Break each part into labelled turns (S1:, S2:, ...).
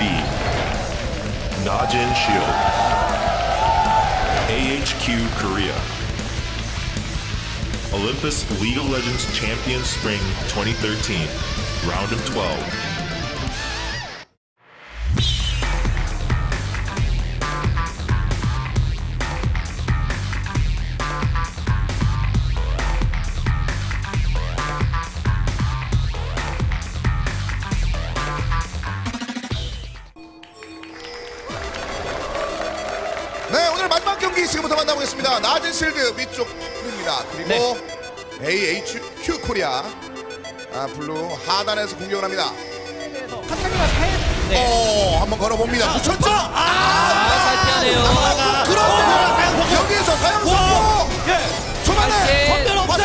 S1: B. Najin Shield. AHQ Korea. Olympus League of Legends Champion Spring 2013. Round of 12.
S2: 네, 오늘 마지막 경기 지금부터 만나보겠습니다. 낮은 실드 위쪽입니다. 그리고 AHQ 코리아 블루 하단에서 공격을 합니다.
S3: 카타리가 네.
S2: 한번 걸어봅니다. 붙였죠?
S3: 잘 피하네요.
S2: 그런데 여기에서 사형선고 초반에
S3: 전멸 없어요.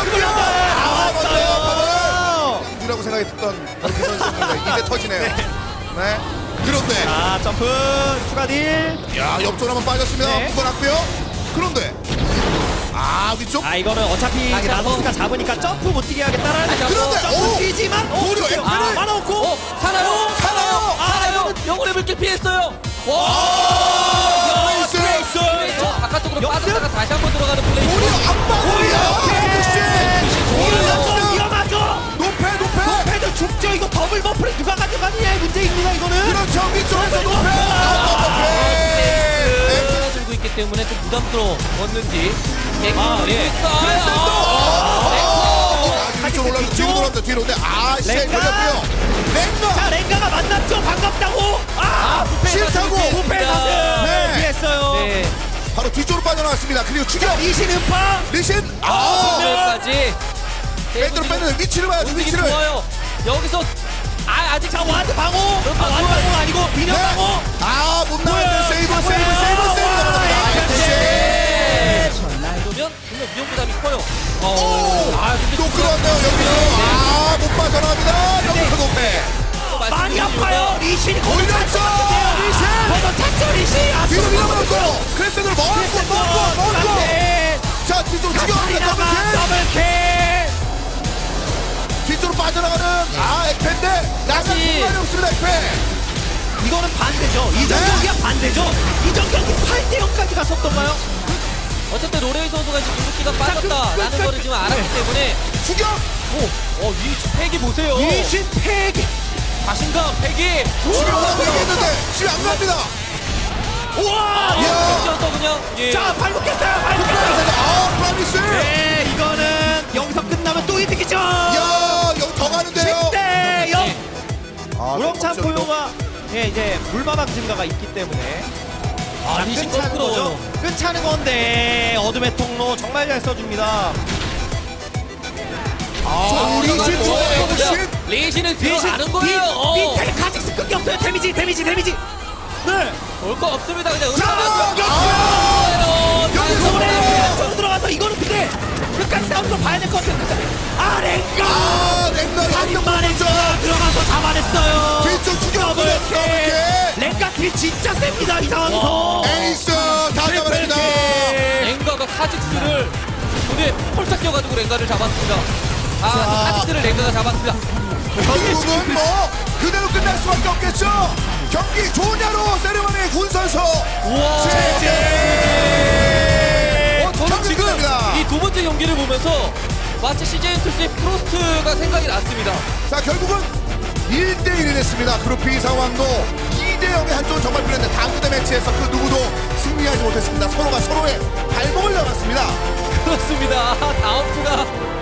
S2: 먼저 이라고 생각했던 그 선수입니다. 이제 터지네요. 네. 그런데
S3: 점프 추가 딜.
S2: 야, 옆쪽 한번 빠졌습니다.
S3: 네.
S2: 묶어놨고요. 그런데 위쪽.
S3: 이거는 어차피 나서스가 잡으니까 점프 못 뛰게 하겠다라는
S2: 그런데,
S3: 점프 뛰지만
S2: 도리어 F를
S3: 많아놓고
S2: 살아요.
S4: 영혼의 물길 피했어요.
S2: 트레이스.
S4: 바깥쪽으로
S3: 역습?
S4: 빠졌다가 다시 한번 들어가는 플레이.
S2: 도리어
S3: 이거 위험하죠.
S2: 높에
S3: 패드 죽죠. 이거 더블 버프를 누가 가져가느냐의 문제입니다. 이거는
S2: 그렇죠. 위쪽에서 높에
S4: 들고 있기 때문에 좀 부담스러웠는지.
S3: 예.
S2: 위쪽 올라서 뒤로 돌았다. 뒤로. 근데 시에
S3: 랭가.
S2: 걸렸고요. 랭가
S3: 랭가가 만났죠. 반갑다고.
S2: 싫다고.
S3: 부패 사슬
S2: 네.
S3: 피했어요.
S4: 네.
S2: 바로 뒤쪽으로 빠져나왔습니다. 그리고 추격.
S3: 리신 음파.
S2: 리신
S4: 까지
S2: 뺐는데 위치를 봐야죠. 위치를.
S4: 좋아요. 여기서 아직
S3: 자 와드 방어. 와드 방어 아니고 미녀 방어.
S2: 못 나왔는데 세이브.
S4: 그러면 분명 위험 부담이 커요.
S2: 또 끌어왔네요. 여기서 못 빠져나갑니다. 여기서 높에
S3: 많이 아파요. 리신이
S2: 올렸죠. 리신
S3: 번호 찾죠 리신.
S2: 뒤로 밀어버렸고 크레스를 먹고 자 뒤쪽으로 추격합니다. 더블킬 뒤쪽으로 빠져나가는 액페인데 나갈 공간이 없습니다. 액페
S3: 이거는 반대죠. 이전
S2: 네.
S3: 경기가 반대죠. 이전 경기 8대 0까지 갔었던가요?
S4: 어쨌든 로레이 선수가 지금 궁극기가 빠졌다라는 거를 지금 알았기 때문에
S2: 추격
S4: 이 패기 보세요.
S3: 리신 패기.
S4: 자신감 패기.
S2: 추격하고 얘기했는데 집에 안 갑니다.
S3: 우와.
S4: 던져서 그냥
S3: 자 발목했어요. 발목했어요.
S2: 프라미스
S3: 네 이거는 여기서 끝나면 또 이득이죠.
S2: 여기 더 가는데요.
S3: 10대 0. 우렁찬 포효가 이제 물마방 증가가 있기 때문에
S4: 리신
S3: 끝차는 거죠.
S4: 거꾸로.
S3: 끝차는 건데 어둠의 통로 정말 잘 써줍니다.
S4: 리신은 들어가는 거예요.
S3: 밑에 카직스 끊겼어요. 데미지. 네.
S4: 볼 거 없습니다. 그냥
S2: 여기서
S3: 노래 들어가서 이거는 근데 끝까지 싸움도 봐야 될 것 같아요. 랭가.
S2: 랭가
S3: 살인만에 들어가서 잡아냈어요.
S2: 뒤쪽 추격 더블킬
S3: 랭가 딜 진짜 셉니다. 이 상황에서.
S2: 에이스 다 잡아냅니다.
S4: 랭가가 카직스를 눈에 폴짝 껴가지고 랭가를 잡았습니다. 카직스를 랭가가 잡았습니다.
S2: 결국은 그대로 끝날 수밖에 없겠죠. 경기 좋으냐로 세레머니 군선수 제재.
S4: 저는 지금
S2: 끝납니다.
S4: 이 두 번째 경기를 보면서 마치 CJ2C의 프로스트가 생각이 났습니다.
S2: 자 결국은 1대1이 됐습니다. 그룹 B 상황도 2대0의 한쪽은 정말 불렸는데 다음 무대 매치에서 그 누구도 승리하지 못했습니다. 서로가 서로의 발목을 잡았습니다.
S4: 그렇습니다. 다음 주가